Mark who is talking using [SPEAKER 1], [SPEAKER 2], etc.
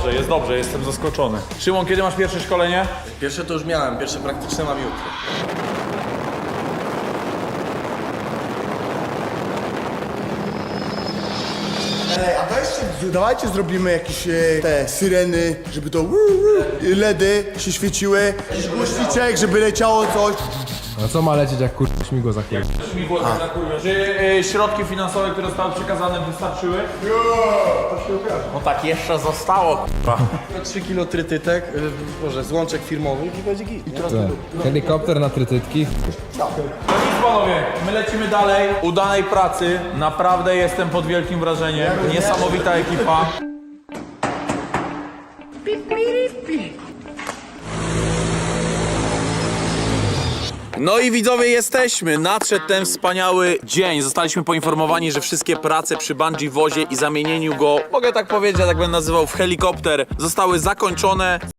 [SPEAKER 1] dobrze, jestem zaskoczony. Szymon, kiedy masz pierwsze szkolenie?
[SPEAKER 2] Pierwsze to już miałem, pierwsze praktyczne mam jutro.
[SPEAKER 3] Ej, a weźcie, dawajcie zrobimy jakieś te syreny, żeby to LEDy się świeciły, jakiś głośniczek, żeby leciało coś.
[SPEAKER 4] A co ma lecieć jak śmigło za chwilę?
[SPEAKER 1] Śmigło na kurwę. Czy środki finansowe, które zostały przekazane, wystarczyły?
[SPEAKER 2] No tak, jeszcze zostało, k***a. 3 kilo trytytek, może złączek firmowych i będzie git, nie?
[SPEAKER 4] Helikopter na trytytki.
[SPEAKER 1] No nic panowie, my lecimy dalej. Udanej pracy, naprawdę jestem pod wielkim wrażeniem. Niesamowita ekipa. No i widzowie, jesteśmy. Nadszedł ten wspaniały dzień. Zostaliśmy poinformowani, że wszystkie prace przy bungee wozie i zamienieniu go, mogę tak powiedzieć, ja tak będę nazywał, w helikopter, zostały zakończone.